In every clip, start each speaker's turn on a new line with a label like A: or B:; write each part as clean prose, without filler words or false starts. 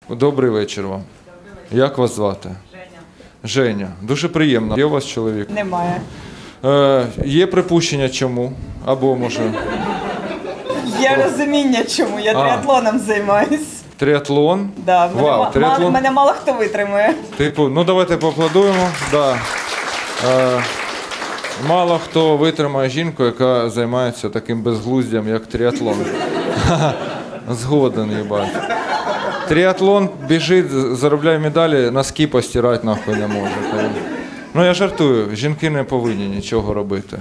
A: Добрий вечір вам. Як вас звати? Женя. Дуже приємно. Є у вас чоловік?
B: Немає.
A: Є припущення чому? Або може...
B: Є розуміння, чому я триатлоном займаюсь.
A: Триатлон?
B: Да,
A: Вау, триатлон.
B: Мене мало хто витримує.
A: Типу, ну давайте поаплодуємо. Да. Мало хто витримає жінку, яка займається таким безглуздям, як триатлон. Згоден, їбать. Триатлон біжить, заробляє медалі, носки постирати нахуй не може. Ну я жартую, жінки не повинні нічого робити.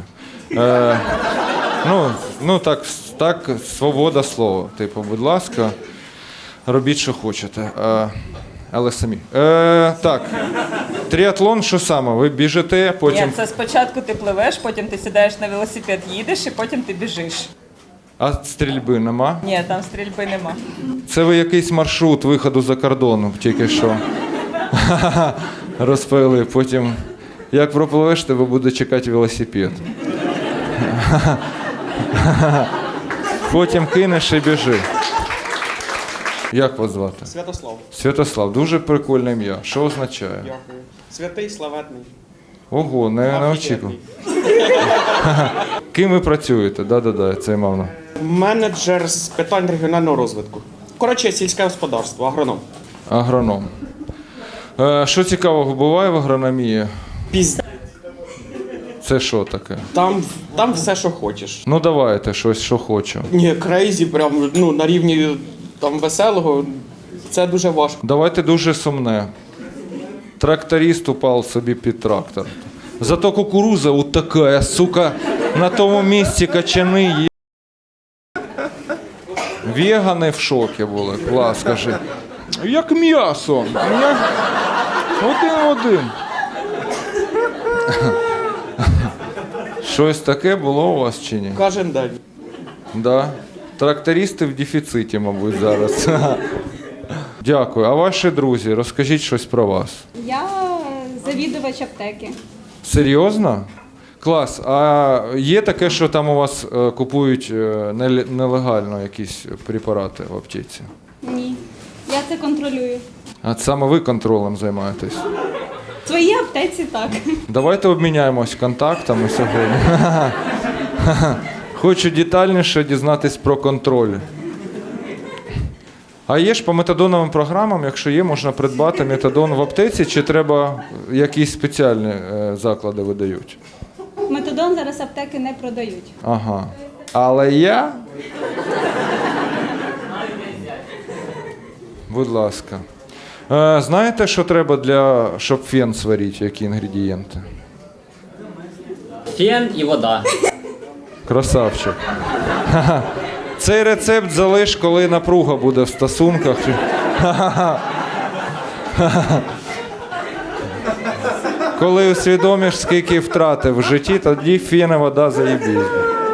A: Так, свобода слова. Типу, будь ласка, робіть, що хочете. Але самі. Так, триатлон, що саме? Ви біжите, потім...
B: Ні, це спочатку ти пливеш, потім ти сідаєш на велосипед, їдеш, і потім ти біжиш.
A: А стрільби нема?
B: Ні, там стрільби нема.
A: Це ви якийсь маршрут виходу за кордону тільки що розповіли. Потім, як пропливеш, тебе буде чекати велосипед. Потім кинеш і біжи. Як вас звати?
C: Святослав.
A: Святослав. Дуже прикольне ім'я. Що означає?
C: Дякую. Святий, славетний.
A: Ого, не очікував. Ким ви працюєте? Да, це мовно.
C: Менеджер з питань регіонального розвитку. Коротше, сільське господарство, агроном.
A: Агроном. Що цікавого буває в агрономії? Це що таке?
C: Там все, що хочеш.
A: Ну давайте щось, що хочу.
C: Ні, крейзі, прям на рівні там веселого. Це дуже важко.
A: Давайте дуже сумне. Тракторист упав собі під трактор. Зато кукуруза от така, сука, на тому місці качани є. Вегани в шокі були. Клас, скажи. Як м'ясо. Один. Щось таке було у вас чи ні?
C: Кожен день.
A: Да. Трактористи в дефіциті, мабуть, зараз. Дякую. А ваші друзі, розкажіть щось про вас.
D: Я завідувач аптеки.
A: Серйозно? Клас. А є таке, що там у вас купують нелегально якісь препарати в аптеці?
D: Ні. Я це контролюю.
A: А саме ви контролем займаєтесь?
D: В своїй аптеці так.
A: Давайте обміняємось контактами сьогодні. Хочу детальніше дізнатись про контроль. А є ж по метадоновим програмам, якщо є, можна придбати метадон в аптеці, чи треба якісь спеціальні заклади видають?
D: Метадон зараз аптеки не продають.
A: Ага. Але я... Будь ласка. Знаєте, що треба щоб фен сварити, які інгредієнти?
E: Фен і вода.
A: Красавчик. Цей рецепт залиш, коли напруга буде в стосунках. Коли усвідомиш, скільки втратив в житті, тоді фен і вода заєбіть.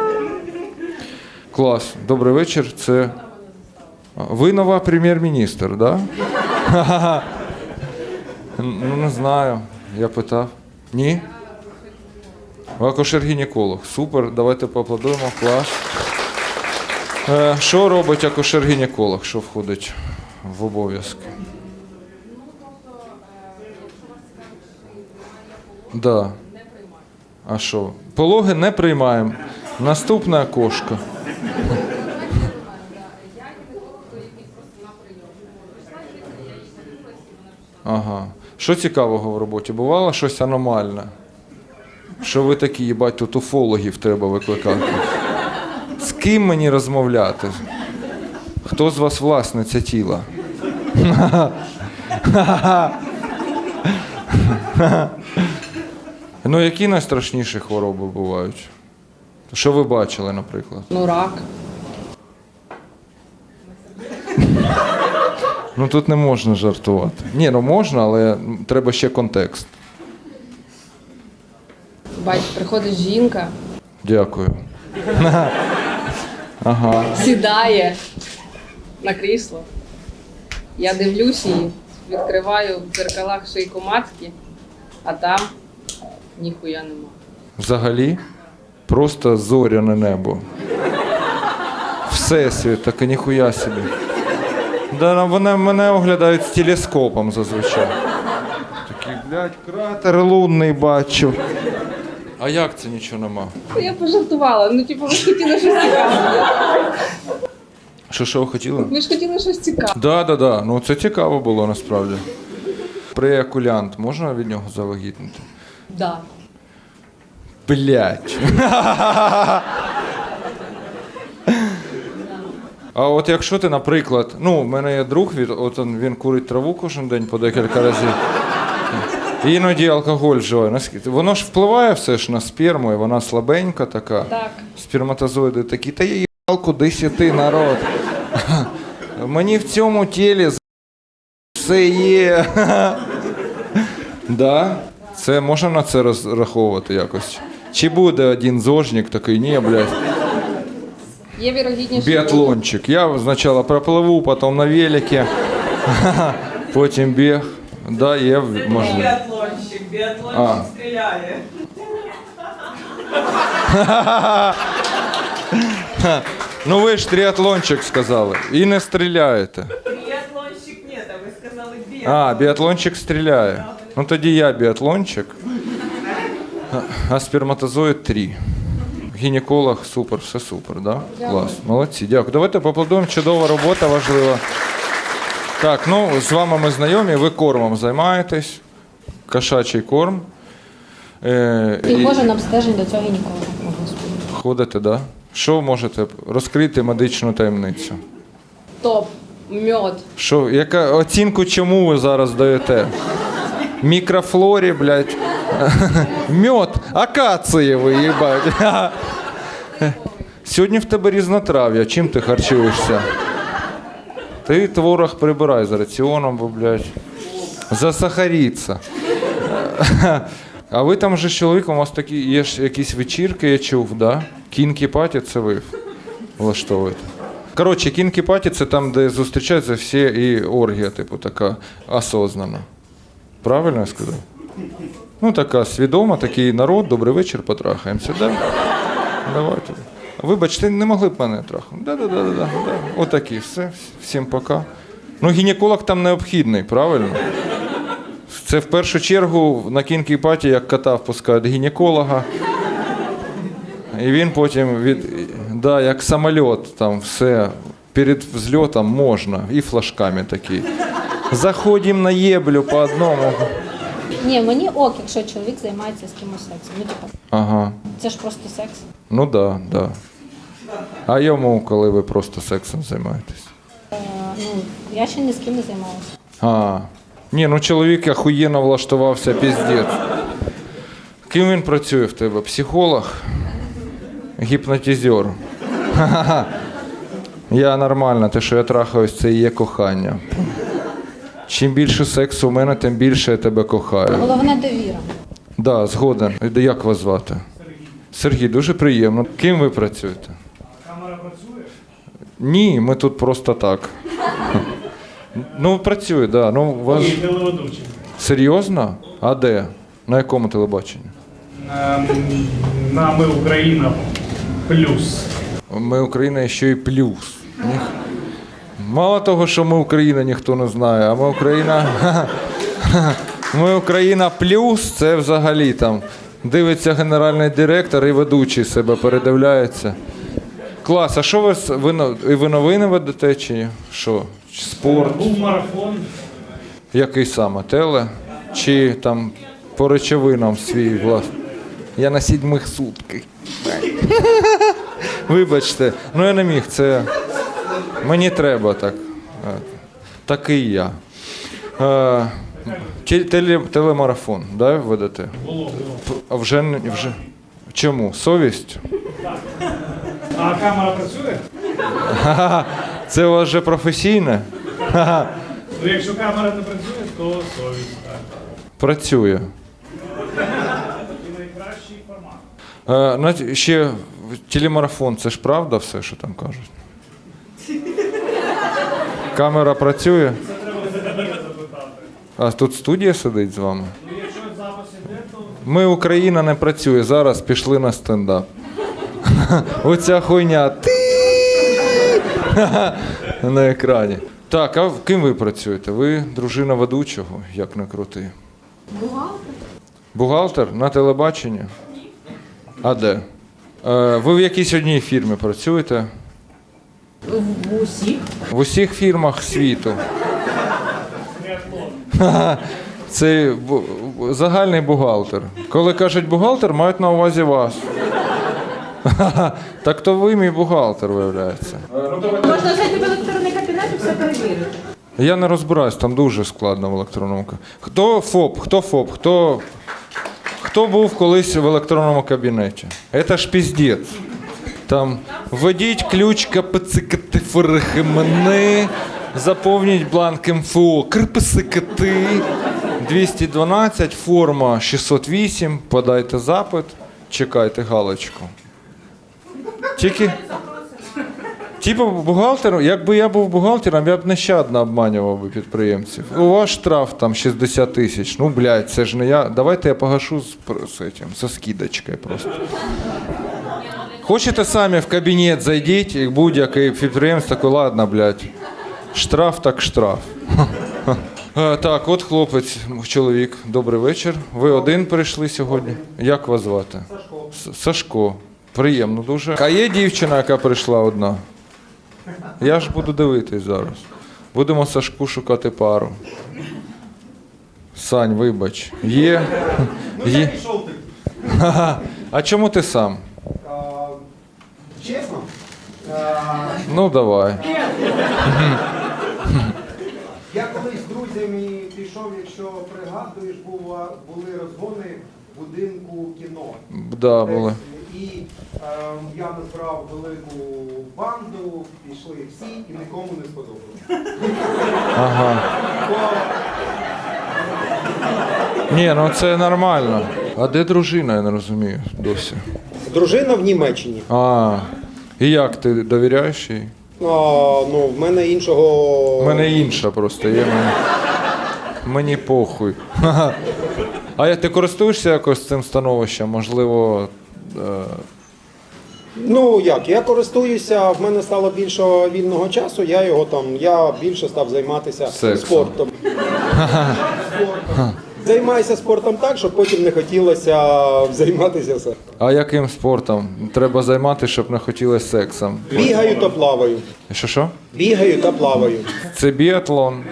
A: Клас. Добрий вечір. Це ви нова прем'єр-міністр, так? Да? Ну, не знаю. Я питав. Ні? Ви акушер-гінеколог. Супер, давайте поаплодуємо. Клас. Що робить акушер-гінеколог, що входить в обов'язки? Да. А що? Пологи не приймаємо. Наступна кошка. Ага. Що цікавого в роботі? Бувало щось аномальне? Що ви такі, їбать, тут уфологів треба викликати? З ким мені розмовляти? Хто з вас власниця тіла? Ну, які найстрашніші хвороби бувають? Що ви бачили, наприклад?
F: Ну, рак.
A: Ну, тут не можна жартувати. Ні, ну можна, але треба ще контекст.
F: Бач, приходить жінка,
A: Дякую. Ага.
F: сідає на крісло. Я дивлюсь її, відкриваю в дзеркалах шийку матки, а там ніхуя нема.
A: Взагалі, просто зоряне небо. Всесвіт, так і ніхуя собі. Да, вони мене оглядають з телескопом зазвичай. Такий, блядь, кратер лунний бачу. А як це нічого нема?
F: Я пожартувала. Ну, типу, ви ж хотіли щось цікаве.
A: Що ви хотіли?
F: Ви ж хотіли щось цікаве.
A: Да. Ну це цікаво було насправді. Преякулянт, можна від нього завагітнити?
F: Да.
A: Блять. А от якщо ти, наприклад, ну, в мене є друг, він курить траву кожен день по декілька разів. Іноді алкоголь вживає. Воно ж впливає все ж на сперму, і вона слабенька така.
F: Так.
A: Сперматозоїди такі, та є їбалку, десяти народ. Мені в цьому тілі все є. Да? Це можна на це розраховувати якось? Чи буде один зожник такий, ні, блядь.
F: Є вірогідність,
A: Біатлончик. Я спочатку пропливу, потім на велике, потім біг. Да, є можливо.
B: Біатлончик стріляє.
A: Ну ви ж триатлончик сказали. І не стріляєте.
B: Біатлончик ні, а ви сказали
A: А, біатлончик стріляє. Ну тоді я біатлончик, а сперматозоїд 3. Гінеколог, супер, все супер, да? Клас, молодці, дякую. Давайте поаплодуємо, чудова робота, важлива. Так, ну з вами ми знайомі, ви кормом займаєтесь, кошачий корм.
E: І кожен обстежень до цього гінеколога.
A: Ходите, да? Що можете розкрити медичну таємницю?
F: топ, мед.
A: Що, яка оцінку чому ви зараз даєте? Мікрофлорі, блядь. Мед, акацієвий, їбать. Сьогодні в тебе різнотрав'я. Чим ти харчуєшся? Ти творог прибирай з раціоном, бо, блядь. Засахаріться. А ви там же з чоловіком, у вас такі є ж якісь вечірки, я чув, да? Кінкі-паті це ви влаштовуєте. Коротше, кінкі-паті це там, де зустрічаються всі і оргія, типу, така осознана. Правильно я сказав? Ну, така свідома, такий народ, добрий вечір, потрахаємося, да? Давайте. Вибачте, не могли б мене трахнути. Да. Отакі, все, всім пока. Ну, гінеколог там необхідний, правильно? Це в першу чергу на кінкі-паті, як кота впускають гінеколога. І він потім, як самоліт, там все, перед взльотом можна, і флажками такі. Заходимо на єблю по одному.
E: Ні, мені ок, якщо чоловік займається з кимось сексом. Ну, типу,
A: Ага.
E: це ж просто секс.
A: Ну да. А йому, коли ви просто сексом займаєтесь?
E: Ну, я ще ні з ким не займалася.
A: Ні, ну чоловік охуєнно влаштувався, піздець. Ким він працює в тебе? Психолог? Гіпнотизер? Ха-ха-ха. Я нормально, те, що я трахаюсь, це і є кохання. Чим більше сексу у мене, тим більше я тебе кохаю.
E: Головне довіра.
A: Да, згоден. Як вас звати? Сергій, дуже приємно. Ким ви працюєте?
G: Камера працює?
A: Ні, ми тут просто так. Ну, працює, так. Да. Ну, у вас...
G: Ні, телеведучий.
A: Серйозно? А де? На якому телебаченні?
G: На «Ми Україна» плюс.
A: Ми Україна ще й плюс. Мало того, що ми Україна, ніхто не знає, а ми Україна... Ми Україна плюс, це взагалі там дивиться генеральний директор і ведучий себе передивляється. Клас, а що ви новини ведете чи що? Чи спорт?
G: Був марафон.
A: Який саме? Теле? Чи там по речовинам свій власний? Я на 7 сутках. Вибачте, ну я не міг, це... Мені треба так. Такий я. Телемарафон, да, ведете?
G: Було.
A: А вже... Чому? Совість?
G: А камера працює?
A: Це у вас вже професійне?
G: Ну, якщо камера не працює, то совість. Так.
A: Працює.
G: І найкращий формат.
A: Ще телемарафон, це ж правда все, що там кажуть? Камера працює?
G: Це треба запитати.
A: А тут студія сидить з вами?
G: Ну, якщо запис іде, то
A: Ми Україна не працює, зараз пішли на стендап. Оця хуйня. На екрані. Так, а ким ви працюєте? Ви дружина ведучого, як не крути.
D: Бухгалтер.
A: Бухгалтер на телебаченні? А де? Ви в якійсь одній фірмі працюєте?
F: В усіх.
A: В усіх фірмах світу. Ха-ха. Це загальний бухгалтер. Коли кажуть бухгалтер, мають на увазі вас. Ха-ха. Так то ви мій бухгалтер, виявляється.
F: Можна зайти в електронний кабінет і все перевірити.
A: Я не розбираюсь, там дуже складно в електронному кабінеті. Хто ФОП? Хто був колись в електронному кабінеті? Це ж піздець. Там введіть ключ КПЦКТФРХМН, заповніть бланк МФО КРПСКТ, 212, форма 608, подайте запит, чекайте галочку. Типу бухгалтер, якби я був бухгалтером, я б нещадно обманював би підприємців. У вас штраф там 60 тисяч. Ну, блядь, це ж не я. Давайте я погашу со скидочкою просто. Хочете самі в кабінет зайдіть, і будь-який підприємець такий, ладно, блядь, штраф так штраф. Так, от хлопець, чоловік, добрий вечір. Ви один прийшли сьогодні. Як вас звати? Сашко. Сашко. Приємно дуже. А є дівчина, яка прийшла одна? Я ж буду дивитись зараз. Будемо Сашку шукати пару. Сань, вибач. Є? Є? Ха-ха. А чому ти сам?
H: Чесно?
A: Ну, давай.
H: Я колись з друзями пішов, якщо пригадуєш, були розгони в будинку кіно.
A: Да, були.
H: І я назбирав велику банду, пішли всі і нікому не сподобалося.
A: Ага. Ні, ну це нормально. А де дружина, я не розумію досі.
H: Дружина в Німеччині.
A: А, і як, ти довіряєш їй?
H: Ну, в мене іншого...
A: У мене інша просто є. Мені похуй. Ха-ха. А ти користуєшся якось цим становищем? Можливо,
H: Ну як, я користуюся, в мене стало більше вільного часу, я більше став займатися
A: Сексом.
H: спортом. Займаюся спортом так, щоб потім не хотілося займатися сексом.
A: а яким спортом треба займатися, щоб не хотілося сексом?
H: Бігаю та плаваю.
A: Що?
H: Бігаю та плаваю.
A: Це біатлон.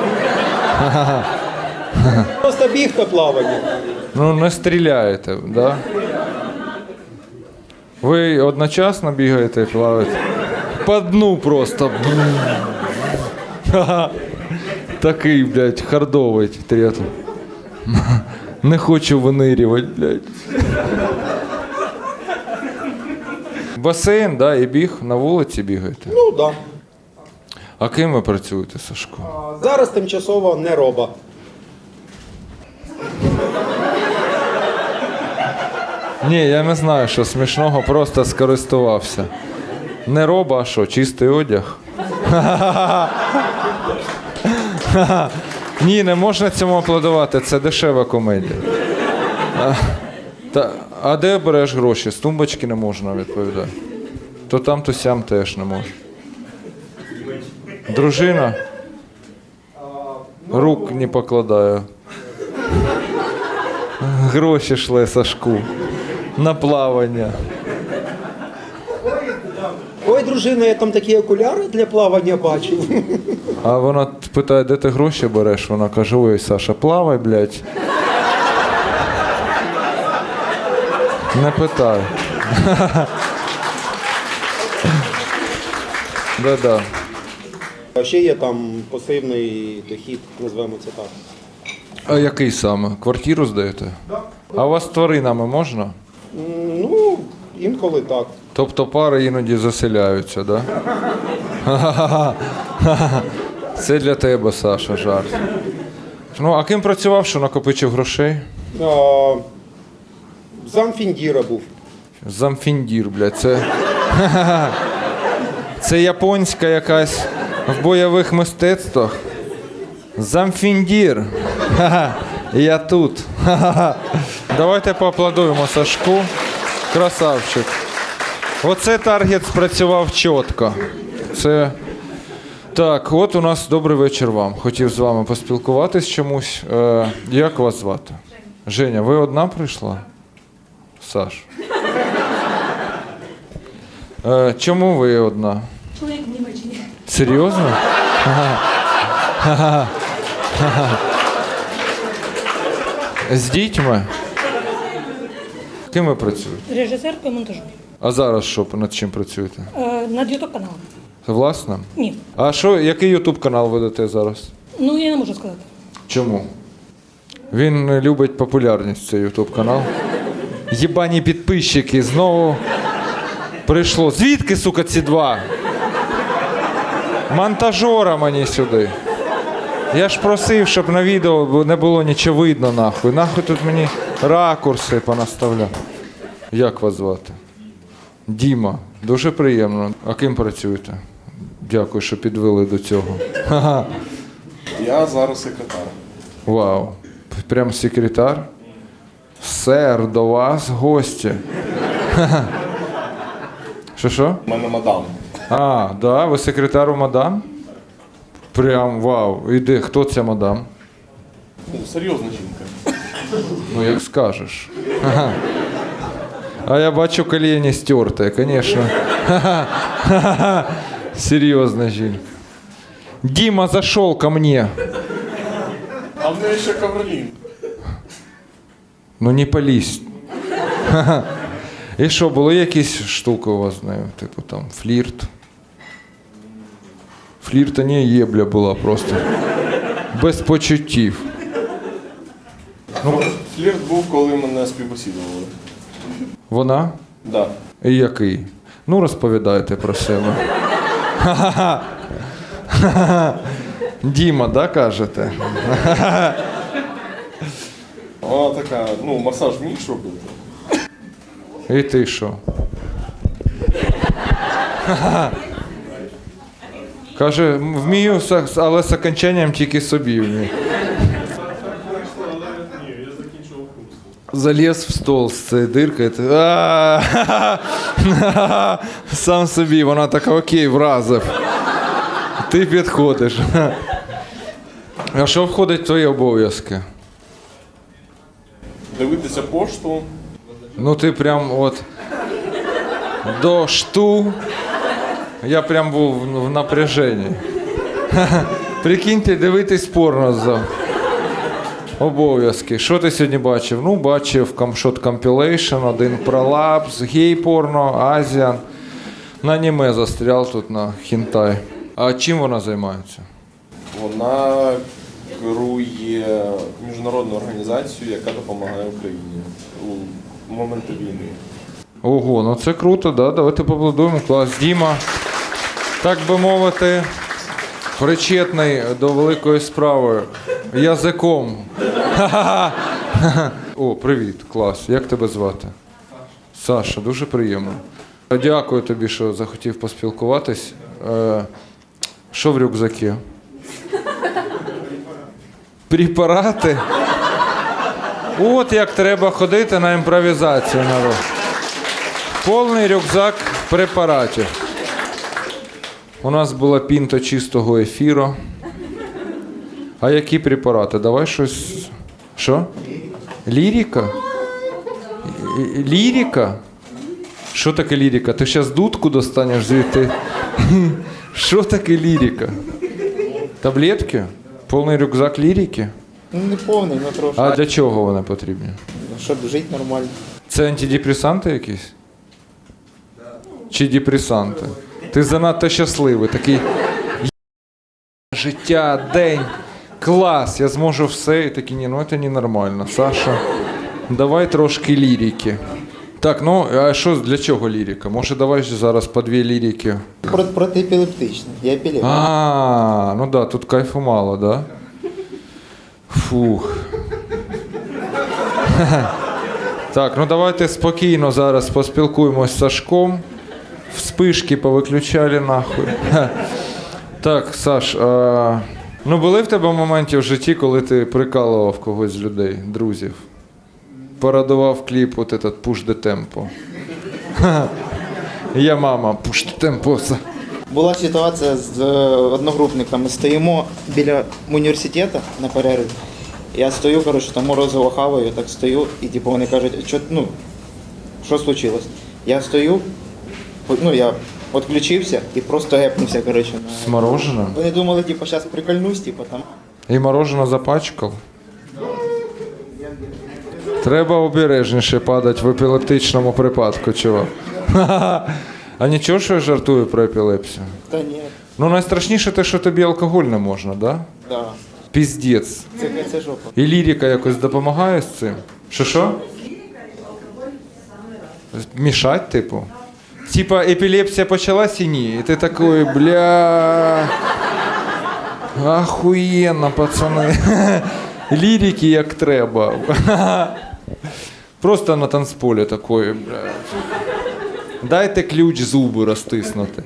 H: Просто біг та плавання.
A: Ну, не стріляєте, да? Ви одночасно бігаєте і плаваєте? По дну просто. Ха-ха. Такий, блядь, хардовий тріатлон. Не хочу винирювати, блядь. Басейн, да, і біг, на вулиці бігаєте.
H: Ну так. Да.
A: А ким ви працюєте, Сашко?
H: Зараз тимчасово не роба.
A: Ні, я не знаю, що смішного, просто скористувався. Не роба, а що, чистий одяг? Ні, не можна цьому аплодувати, це дешева комедія. А де береш гроші? З тумбочки не можна відповідати. То там, то сям теж не можна. Дружина? Рук не покладаю. Гроші шле Сашку. На плавання.
H: Ой, дружина, я там такі окуляри для плавання бачив.
A: А вона питає, де ти гроші береш? Вона каже, ой, Саша, плавай, блядь. Не питай. Да-да.
H: А ще є там пасивний дохід, назвемо це так.
A: А який саме? Квартиру здаєте?
H: Так.
A: А у вас з тваринами можна?
H: Ну, інколи так.
A: Тобто пари іноді заселяються, да? Це для тебе, Саша, жарт. Ну, а ким працював, що накопичив грошей?
H: Замфіндіра був.
A: Замфіндір, блядь, це... Це японська якась в бойових мистецтвах. Замфіндір. Ха-ха. Я тут. Ха-ха. Давайте поаплодуємо Сашку. Красавчик. Оце таргет спрацював чітко. Це Так, от у нас добрий вечір вам. Хотів з вами поспілкуватись чомусь. Як вас звати? Женя, ви одна прийшла? Саш. Чому ви одна?
D: Чоловік в Німеччині.
A: Серйозно? З дітьми? Ким ви працюєте?
I: Режисеркою монтажу.
A: А зараз що, над чим працюєте?
I: Над Ютуб каналом.
A: Власне?
I: Ні.
A: А що, який ютуб канал ведете зараз?
I: Ну я не можу сказати.
A: Чому? Він любить популярність, цей ютуб канал. Єбані підписчики, знову прийшло. Звідки, сука, ці два? Монтажора мені сюди. Я ж просив, щоб на відео не було нічого видно, нахуй. Нахуй тут мені ракурси понаставляв. Як вас звати? Діма. Дуже приємно. А ким працюєте? Дякую, що підвели до цього. Ха-ха.
J: Я зараз секретар.
A: Вау. Прям секретар? Сер, до вас гості. Ха-ха. Що?
J: У мене мадам.
A: А, да, ви секретар у мадам? Прям вау. Іди, хто ця мадам?
J: Ну, серйозна жінка.
A: Ну, як скажеш. Ага. А я бачу коліні стерте, звісно. Серйозна жінка. Дима зашел ко мне.
J: А в неї ще ковролін.
A: Ну не пались. І що, були якісь штуки у вас з нею? Типу там флірт? Флірта не єбля була просто. Без почуттів.
J: Ну, флірт був, коли мене співбесідували.
A: Вона?
J: Да.
A: І який? Ну, розповідайте про себе. Діма, да, кажете?
J: Вона така, ну, масаж вмієш робити?
A: І ти що? Каже, вмію, але з окончанням тільки собі вмію.
G: Ні, я закінчував курс.
A: Заліз в стол з цією диркою. Сам собі, вона така, окей, вразив. Ти підходиш. А що входить в твої обов'язки?
J: Дивитися пошту.
A: Ну ти прям от до шту. Я прям був в напряженні. Прикиньте, дивитись порно за обов'язки. Що ти сьогодні бачив? Ну, бачив Камшот Compilation, один пролапс, гей-порно, Азіан. На аніме застрял тут на хінтай. А чим вона займається?
J: Вона керує міжнародну організацію, яка допомагає Україні у моменти війни.
A: Ого, ну це круто, да? Давайте поаплодуємо. Клас. Діма, так би мовити, причетний до великої справи язиком. О, привіт, клас. Як тебе звати? Саша, дуже приємно. Дякую тобі, що захотів поспілкуватись. Що в рюкзакі? Препарати? От як треба ходити на імпровізацію, народ. Повний рюкзак препаратів. У нас була пінта чистого ефіру. А які препарати? Давай щось. Що? Лірика? Лірика? Що таке лірика? Ти зараз дудку достанеш звідти? Що таке лірика? Таблетки? Повний рюкзак лірики?
K: Ну, не повний, але трошки.
A: А для чого вони потрібні?
K: Щоб жити нормально.
A: Це антидепресанти якісь? Чи депресанти? Ти занадто щасливий, такий життя, день, клас, я зможу все. І такий, ні, ну це ненормально. Саша, давай трошки лірики. Так, ну, а що, для чого лірика? Може, давай зараз по 2 лірики?
K: Протиепілептичний. Я епілептик.
A: А, ну да, тут кайфу мало, да? Фух. Так, ну давайте спокійно зараз поспілкуємось з Сашком. Вспишки повиключали нахуй. Так, Саш, ну були в тебе моменти в житті, коли ти прикалував когось з людей, друзів? Порадував кліп от этот «Push the Tempo». Я мама, «Push the Tempo».
K: Була ситуація з одногрупниками. Стоїмо біля університету на перерві. Я стою, коротше, там морозиво хаваю, так стою, і типу вони кажуть, що случилось? Я стою, я відключився і просто гепнувся, коротше.
A: З мороженим?
K: Вони думали, типу, зараз прикольнусь, типу, там.
A: І мороженое запачкав? Треба обережніше падати в епілептичному припадку, чувак. А нічого, що я жартую про епілепсію?
K: Та ні,
A: Ну найстрашніше те, що тобі алкоголь не можна, да?
K: да.
A: Піздець.
K: Це жопа.
A: І лірика якось допомагає з цим? Що? Мішать, типу? Типа епілепсія почалась і ні. І ти такий, бля. Ахуєнно, пацани. Лірики як треба. Просто на танцполі такої, бля. Дайте ключ зуби розтиснути.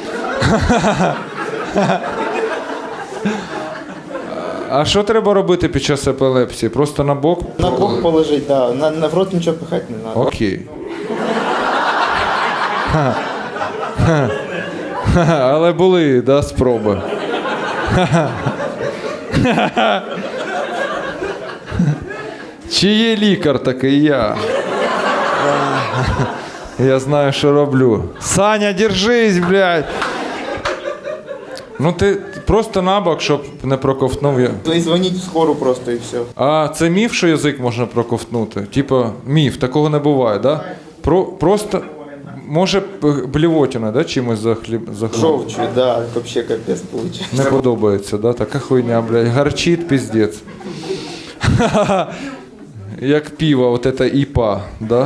A: А що треба робити під час епілепсії? Просто на бок?
K: На бок положить, да. На в рот нічого пихати не треба.
A: Окей. Але були, да, спроби. Чи є лікар такий я? Я знаю, що роблю. Саня, держись, блядь! Ну ти просто набок, щоб не проковтнув я.
K: І дзвоніть в скору просто і все.
A: А це міф, що язик можна проковтнути? Типа міф, такого не буває, да? Просто, може, блівотіна, да, чимось захліб?
K: Жовчу, да, вообще капець получить.
A: Не подобається, да? Така хуйня, блядь. Гарчить, піздець. Як пиво, от це іпа, да?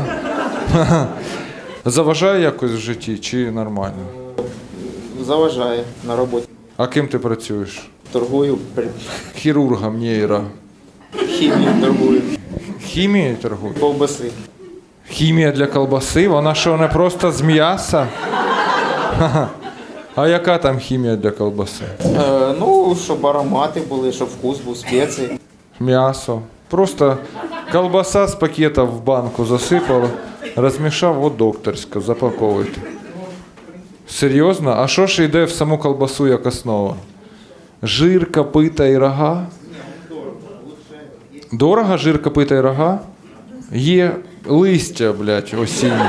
A: Заважає якось в житті чи нормально?
K: Заважає на роботі.
A: А ким ти працюєш?
K: Торгую,
A: Хірургом, нейро.
K: хімію торгую,
A: Хімією торгуєш?
K: ковбаси.
A: Хімія для колбаси? Вона що, не просто з м'яса? Ха-ха. А яка там хімія для колбаси?
K: Щоб аромати були, щоб вкус був, спеції.
A: М'ясо. Просто колбаса з пакета в банку засипала, розмішав, от докторська, запаковуйте. Серйозно? А що ж йде в саму колбасу як основа? Жир, копита і рога? Дорого жир, копита і рога? Є листя, блядь, осінні.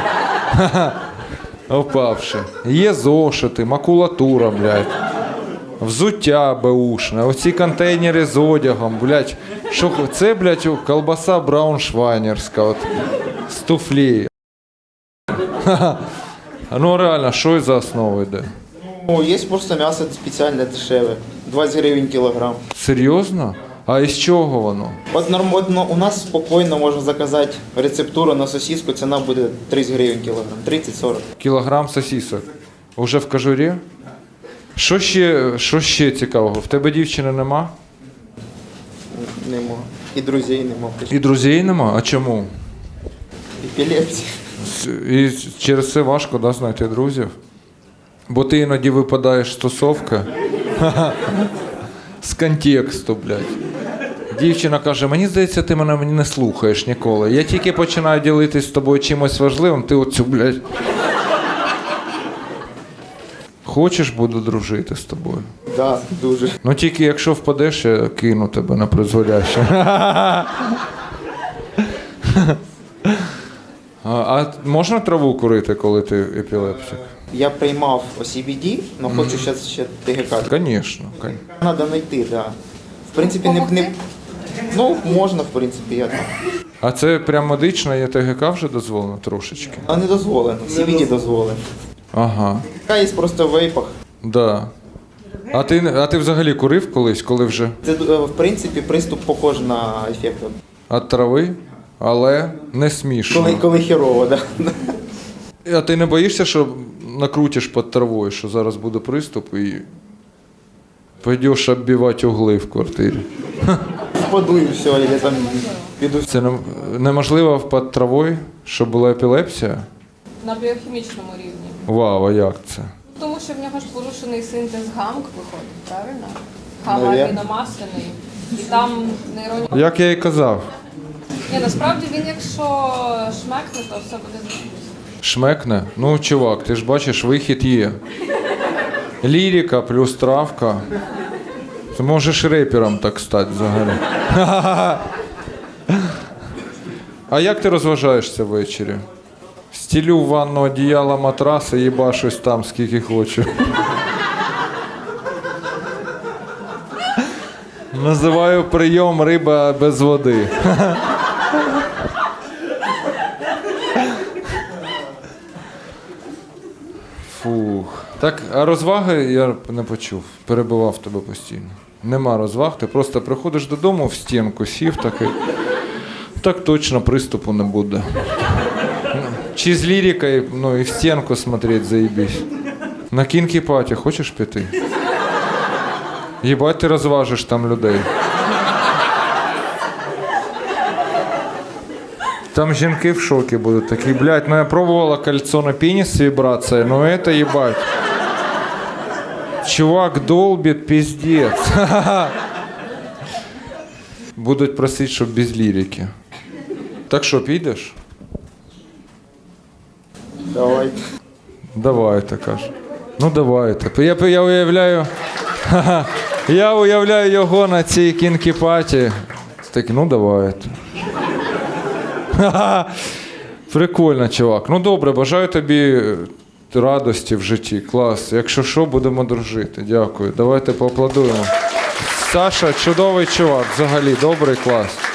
A: Опавши. Є зошити, макулатура, блядь. Взуття беушне, оці контейнери з одягом, блядь. Що це, блядь, колбаса брауншвайнерська, от, з туфлі. Ну реально, що за основу йде?
K: Є просто м'ясо спеціальне дешеве, 20 гривень кілограм.
A: Серйозно? А із чого воно?
K: У нас спокійно можна заказати рецептуру на сосиску, ціна буде 30 гривень кілограм, 30-40.
A: Кілограм сосисок. Уже в кожурі? Що ще цікавого? В тебе дівчини нема?
K: Нема. І друзей нема.
A: І друзей нема? А чому?
K: Епілепсія.
A: І через це важко, да, знайти друзів? Бо ти іноді випадаєш з тусовки. З контексту, блядь. Дівчина каже, мені здається, ти мене не слухаєш ніколи. Я тільки починаю ділитись з тобою чимось важливим, ти оцю, блядь. Хочеш, буду дружити з тобою?
K: Да, дуже.
A: Ну тільки якщо впадеш, я кину тебе на призволяще. А можна траву курити, коли ти епілептик?
K: Я приймав CBD, але хочу зараз ще ТГК.
A: Звісно.
K: Треба знайти, так. Да. В принципі, можна, в принципі, я там.
A: А це прям медично, є ТГК вже дозволено трошечки?
K: А не дозволено, CBD дозволено.
A: Ага.
K: ТГК є просто в вейпах.
A: Да. А ти взагалі курив колись, коли вже?
K: Це, в принципі, приступ похож на ефект.
A: От трави, але не смішно.
K: Коли херово, так. Да.
A: А ти не боїшся, що накрутиш під травою, що зараз буде приступ і пойдеш оббивати угли в квартирі?
K: Впаду і все, я там піду.
A: Це неможливо під травою, щоб була епілепсія?
F: На біохімічному рівні.
A: Вау, а як це?
F: Тому що в нього ж порушений синтез гамк виходить, правильно?
K: Наверно.
F: Гамма-аміномасляний. І там нейронні...
A: Як я і казав.
F: Ні, насправді він якщо шмекне, то все буде зрозуміло.
A: Шмекне? Ну, чувак, ти ж бачиш, вихід є. Лірика плюс травка. Ти можеш репером так стати взагалі. А як ти розважаєшся ввечері? Стілю в ванну одіяло, матраси, їбашусь там скільки хочу. Називаю прийом риба без води. Фух. Так, а розваги я не почув. Перебивав тебе постійно. Нема розваг, ти просто приходиш додому, в стінку сів такий. Так точно приступу не буде. Чи з лірикою, ну і в стінку смотреть, заебись. На кінкі-паті хочеш піти? Єбать, ти розважиш там людей. Там жінки в шокі будуть такі, блядь, ну я пробувала кольцо на пенис с вибрацией, но это ебать. Чувак долбит, пиздец. Будуть просити, щоб без лірики. Так що, підеш?
K: Давай.
A: Давайте, каже. Ну давайте. Я уявляю. Я уявляю його на цій кінкі-паті. Так, ну давайте. Прикольно, чувак. Ну добре, бажаю тобі радості в житті. Клас. Якщо що, будемо дружити. Дякую. Давайте поаплодуємо. Саша чудовий чувак, взагалі, добрий, клас.